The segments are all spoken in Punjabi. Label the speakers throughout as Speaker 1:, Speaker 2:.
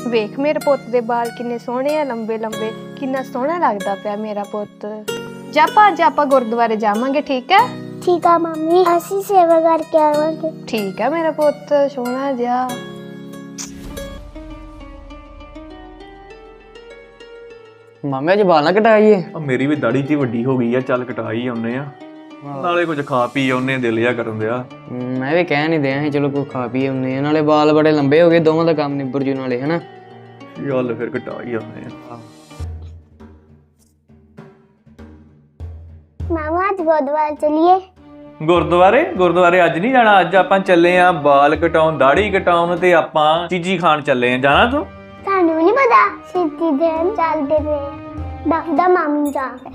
Speaker 1: ਵੇਖ ਮੇਰੇ ਪੁੱਤ ਦੇ ਵਾਲ ਕਿੰਨੇ ਸੋਹਣੇ ਆ, ਲੰਬੇ ਲੰਬੇ, ਕਿੰਨਾ ਸੋਹਣਾ ਲੱਗਦਾ ਪਿਆ ਮੇਰਾ ਪੁੱਤ। ਜਾ ਅੱਜ ਆਪਾਂ ਗੁਰਦੁਆਰੇ ਜਾਵਾਂਗੇ, ਠੀਕ ਹੈ?
Speaker 2: ਠੀਕ ਆ ਮੰਮੀ, ਅਸੀਂ ਸੇਵਾ ਕਰਕੇ ਆਵਾਂਗੇ।
Speaker 1: ਠੀਕ ਹੈ ਮੇਰਾ ਪੁੱਤ ਸੋਹਣਾ ਜਿਹਾ।
Speaker 3: ਮਾਮੇ ਅੱਜ ਵਾਲ ਨਾ ਕਟਾਈਏ।
Speaker 4: ਮੇਰੀ ਵੀ ਦਾੜੀ ਜੀ ਵੱਡੀ ਹੋ ਗਈ ਆ, ਚੱਲ ਕਟਾ ਹੀ ਆਉਨੇ ਆ, ਨਾਲੇ ਕੁਝ ਖਾ ਪੀ ਆਉਨੇ, ਦਿਲ ਜਿਹਾ ਕਰਨ ਦਿਆ।
Speaker 3: ਮੈਂ ਵੀ ਕਹਿ ਨਹੀਂ ਦਿਆਂ ਸੀ ਚਲੋ ਕੋਈ ਖਾ ਪੀ ਆਉਂਦੇ ਆ, ਨਾਲੇ ਵਾਲ ਬੜੇ ਲੰਬੇ ਹੋ ਗਏ, ਦੋਵਾਂ ਦਾ ਕੰਮ ਨਿਬੜ ਜੂ ਨਾਲੇ, ਹਨਾ?
Speaker 4: ਚੱਲ ਫਿਰ ਕਟਾ ਹੀ ਆਉਨੇ ਆ।
Speaker 2: ਮਾਮਾ ਅੱਜ ਗੁਰਦੁਆਰੇ ਚਲੀਏ।
Speaker 4: ਗੁਰਦੁਆਰੇ ਅੱਜ ਨਹੀਂ ਜਾਣਾ, ਅੱਜ ਆਪਾਂ ਚੱਲੇ ਆ ਵਾਲ ਕਟਾਉਣ, ਦਾੜੀ ਕਟਾਉਣ ਤੇ ਆਪਾਂ ਚੀਜ਼ੀ ਖਾਣ ਚੱਲੇ ਆ। ਜਾਣਾ ਤੂੰ?
Speaker 2: ਤੁਹਾਨੂੰ ਨਹੀਂ ਪਤਾ ਸਿੱਧੀ ਦਿਨ ਚੱਲਦੇ ਪਏ, ਦੱਸਦਾ ਮਾਮੀ ਜਾ ਕੇ।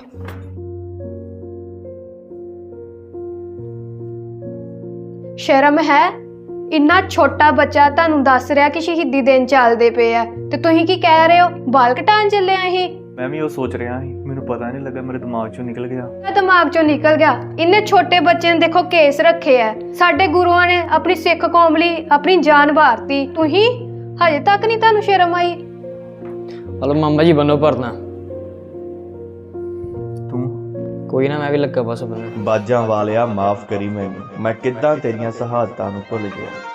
Speaker 1: ਸ਼ਰਮ ਹੈ? ਇੰਨਾ ਛੋਟਾ ਬੱਚਾ ਤੁਹਾਨੂੰ ਦੱਸ ਰਿਹਾ ਕਿ ਸ਼ਹੀਦੀ ਦਿਨ ਚੱਲਦੇ ਪਏ ਆ ਤੇ ਤੁਸੀਂ ਕੀ ਕਹਿ ਰਹੇ ਹੋ? ਵਾਲ ਕਟਾਉਣ ਚੱਲੇ ਆ ਇਹ?
Speaker 4: ਮੈਂ ਵੀ ਉਹ ਸੋਚ ਰਿਹਾ ਸੀ, ਮੈਨੂੰ ਪਤਾ ਨਹੀਂ ਲੱਗਾ, ਮੇਰੇ ਦਿਮਾਗ ਚੋਂ ਨਿਕਲ ਗਿਆ।
Speaker 1: ਦਿਮਾਗ ਚੋਂ ਨਿਕਲ ਗਿਆ? ਇੰਨੇ ਛੋਟੇ ਬੱਚੇ ਨੇ ਦੇਖੋ ਕੇਸ ਰੱਖੇ ਆ, ਸਾਡੇ ਗੁਰੂਆਂ ਨੇ ਆਪਣੀ ਸਿੱਖ ਕੌਮ ਲਈ ਆਪਣੀ ਜਾਨ ਵਾਰਤੀ, ਤੁਸੀਂ ਹਜੇ ਤੱਕ ਨਹੀਂ ਤੁਹਾਨੂੰ ਸ਼ਰਮ ਆਈ?
Speaker 3: ਹਲੋ ਮਾਮਾ ਜੀ ਬੰਨੋ ਭਰਨਾ।
Speaker 4: ਤੂੰ
Speaker 3: ਕੋਈ ਨਾ, ਮੈਂ ਵੀ ਲੱਗਾ ਬਸ ਬੰਨਣ।
Speaker 5: ਬਾਜਾਂ ਵਾਲਿਆ ਮਾਫ ਕਰੀ ਮੈਨੂੰ, ਮੈਂ ਕਿੱਦਾਂ ਤੇਰੀਆਂ ਸ਼ਹਾਦਤਾਂ ਨੂੰ ਭੁੱਲ ਗਿਆ।